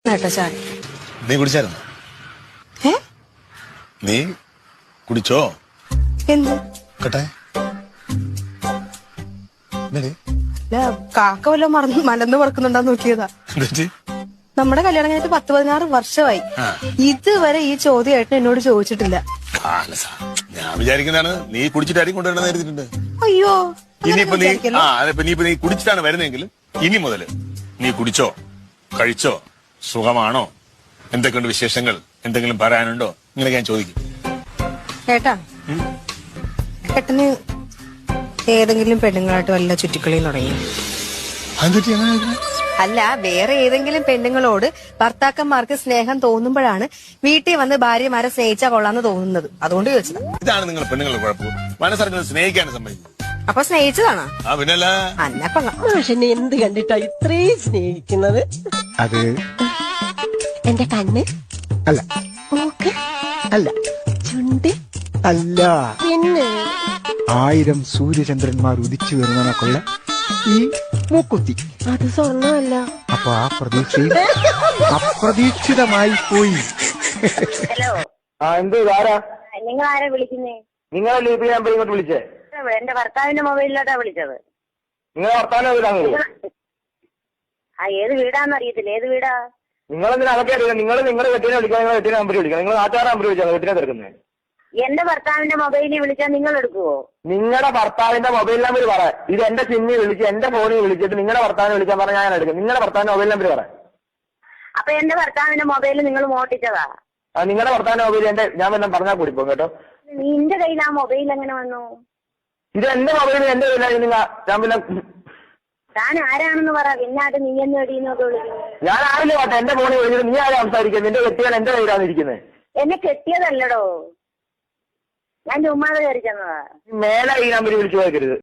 ചായ നീ കുടിച്ചായിരുന്നു? നീ കുടിച്ചോ? എന്ത് കേട്ടെ കാക്ക വല്ലതും മലന്ന് പറക്കുന്നുണ്ടാന്ന് നോക്കിയതാ. നമ്മുടെ കല്യാണം കഴിഞ്ഞിട്ട് 10-16 വർഷമായി. ഇതുവരെ ഈ ചോദ്യമായിട്ട് എന്നോട് ചോദിച്ചിട്ടില്ല. ഞാൻ വിചാരിക്കുന്നതാണ് നീ കുടിച്ചിട്ടായിരിക്കും കൊണ്ടുവരണമെന്ന് കരുതിയിട്ടുണ്ട്. അയ്യോ, ഇനിയിപ്പോ നീ കുടിച്ചിട്ടാണ് വരുന്നെങ്കിലും ഇനി മുതല് നീ കുടിച്ചോ, കഴിച്ചോ, സുഖമാണോ, എന്തൊക്കെയുണ്ട് വിശേഷങ്ങൾ, എന്തെങ്കിലും പറയാനുണ്ടോ, ഇങ്ങനെ ഞാൻ ചോദിക്കും. ഏട്ടാ, ഏട്ടന് ഏതെങ്കിലും പെണ്ണുങ്ങളായിട്ട് വല്ല ചുറ്റിക്കളിയും തുടങ്ങി? അല്ല, വേറെ ഏതെങ്കിലും പെണ്ണുങ്ങളോട് ഭർത്താക്കന്മാർക്ക് സ്നേഹം തോന്നുമ്പോഴാണ് വീട്ടിൽ വന്ന് ഭാര്യമാരെ സ്നേഹിച്ചാ കൊള്ളാന്ന് തോന്നുന്നത്. അതുകൊണ്ട് ചോദിച്ചതാ. ഇതാണ് നിങ്ങൾ പെണ്ണുങ്ങളുടെ കുഴപ്പം, മനസ്സറിഞ്ഞത് സ്നേഹിക്കാനും സമ്മതിക്കും. അപ്പൊ സ്നേഹിച്ചതാണോ? പിന്നല്ല. പക്ഷെ എന്ത് കണ്ടിട്ടാ ഇത്രയും സ്നേഹിക്കുന്നത്? അത് എന്റെ കണ്ണ് അല്ല, മൂക്ക് അല്ല, ചുണ്ട് അല്ല, പിന്നെ 1000 സൂര്യചന്ദ്രന്മാർ ഉദിച്ചു വരുന്നതിനൊക്കെയുള്ള ഈ മൂക്കുത്തി. അത് സ്വർണ്ണമല്ല. അപ്പൊ ആ പ്രതീക്ഷയിൽ അപ്രതീക്ഷിതമായി പോയി. ഹലോ, എന്ത് ആരാ നിങ്ങൾ ആരാ വിളിക്കുന്നേ? നിങ്ങളല്ലേ ഇപ്പൊ ഞാൻ ഇങ്ങോട്ട് വിളിച്ചേ? എന്റെ ഭർത്താവിന്റെ മൊബൈലിലോട്ടാ വിളിച്ചത്. നിങ്ങളെ ഭർത്താവിനെ വീടാണ്. ഏത് വീടാന്ന് അറിയത്തില്ല. ഏത് വീടാ? നിങ്ങളെന്തിനാ അതൊക്കെ അറിയാം? നിങ്ങളുടെ കെട്ടിനെ വിളിക്കാം, നിങ്ങളെ കെട്ടിനെ നമ്പർ വിളിക്കാം. നിങ്ങൾ നാട്ടുകാരെ നമ്പർ വിളിച്ചാൽ കെട്ടിനെ തിരക്കുന്നത്. എന്റെ ഭർത്താവിന്റെ മൊബൈലിൽ വിളിച്ചാൽ നിങ്ങൾ എടുക്കുവോ? നിങ്ങളുടെ ഭർത്താവിന്റെ മൊബൈൽ നമ്പർ പറ. ഇത് എന്റെ സിമ്മിൽ വിളിച്ച് എന്റെ ഫോണിൽ വിളിച്ചിട്ട് നിങ്ങളുടെ ഭർത്താവിനെ വിളിക്കാൻ പറഞ്ഞാൽ ഞാൻ എടുക്കും. നിങ്ങളുടെ ഭർത്താവിന്റെ മൊബൈൽ നമ്പർ പറ. അപ്പൊ എന്റെ ഭർത്താവിന്റെ മൊബൈൽ നിങ്ങൾ മോട്ടിച്ചതാ? നിങ്ങളുടെ ഭർത്താവിന്റെ മൊബൈൽ ഞാൻ വല്ലതും പറഞ്ഞാൽ കൂടിപ്പോ കേട്ടോ. നിന്റെ കയ്യിൽ ആ മൊബൈൽ എങ്ങനെ വന്നു? ഇത് എന്റെ മൊബൈൽ എന്റെ കയ്യിലാണ്. ഞാൻ പിന്നെ താൻ ആരാണെന്ന് പറ. പിന്നാട്ട് നീ എന്ന് എടീന്നൊക്കെ വിളിക്കുന്നു. ഞാൻ ആരില്ല പാട്ടെ. എന്റെ ഫോണിൽ വിളിച്ചിട്ട് നീ ആരാ സംസാരിക്കുന്നത്? നിന്റെ കെട്ടിയാൽ എന്റെ കയ്യിലാണ് ഇരിക്കുന്നത്. എന്നെ കെട്ടിയതല്ലടോ, ഞാൻ ചുമ്മാതെ കയറി ചെന്നതാ. മേലെ ഈ നമ്പർ വിളിച്ചു പോകരുത്.